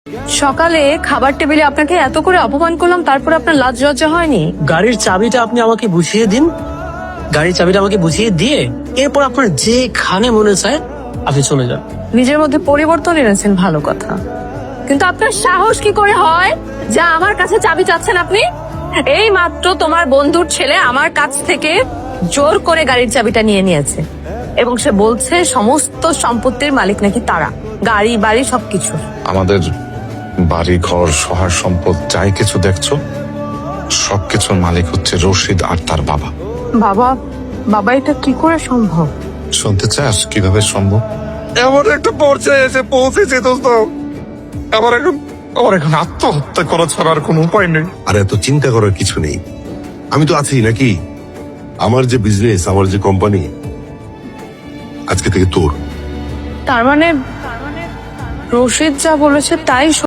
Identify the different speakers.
Speaker 1: সকালে খাবার টেবিলে আপনাকে এত করে অপমান করলাম, তারপর আপনার লাজ লজ্জা হয়নি?
Speaker 2: গাড়ির চাবিটা আপনি আমাকে বুঝিয়ে দিন, গাড়ির চাবিটা আমাকে বুঝিয়ে দিয়ে এরপর আপনার যেখানে মনে চায় আপনি চলে যান।
Speaker 1: নিজের মধ্যে পরিবর্তন এনেছেন, ভালো কথা, কিন্তু আপনার সাহস কি করে হয় যা আমার কাছে চাবি চাচ্ছেন আপনি? এই মাত্র তোমার বন্ধুর ছেলে আমার কাছ থেকে জোর করে গাড়ির চাবিটা নিয়ে নিয়েছে এবং সে বলছে সমস্ত সম্পত্তির মালিক নাকি তারা, গাড়ি বাড়ি সবকিছু।
Speaker 3: আমাদের বাড়ি ঘর সহার সম্পদ যাই কিছু দেখছো সবকিছুর মালিক হচ্ছে রশিদ আর তার বাবা।
Speaker 1: বাবা, বাবা এটা কি করে সম্ভব?
Speaker 3: শুনতে চাস কিভাবে সম্ভব? এমন একটা পর্যায়ে এসে পৌঁছেছে দোস্ত, আমার এখন আত্মহত্যা করা ছাড়া আর কোনো উপায় নেই।
Speaker 4: আর এত চিন্তা করার কিছু নেই, আমি তো আছি নাকি? আমার যে বিজনেস, আমার যে কোম্পানি আজকে থেকে তোর।
Speaker 1: তার মানে রশিদ যা বলেছে তাই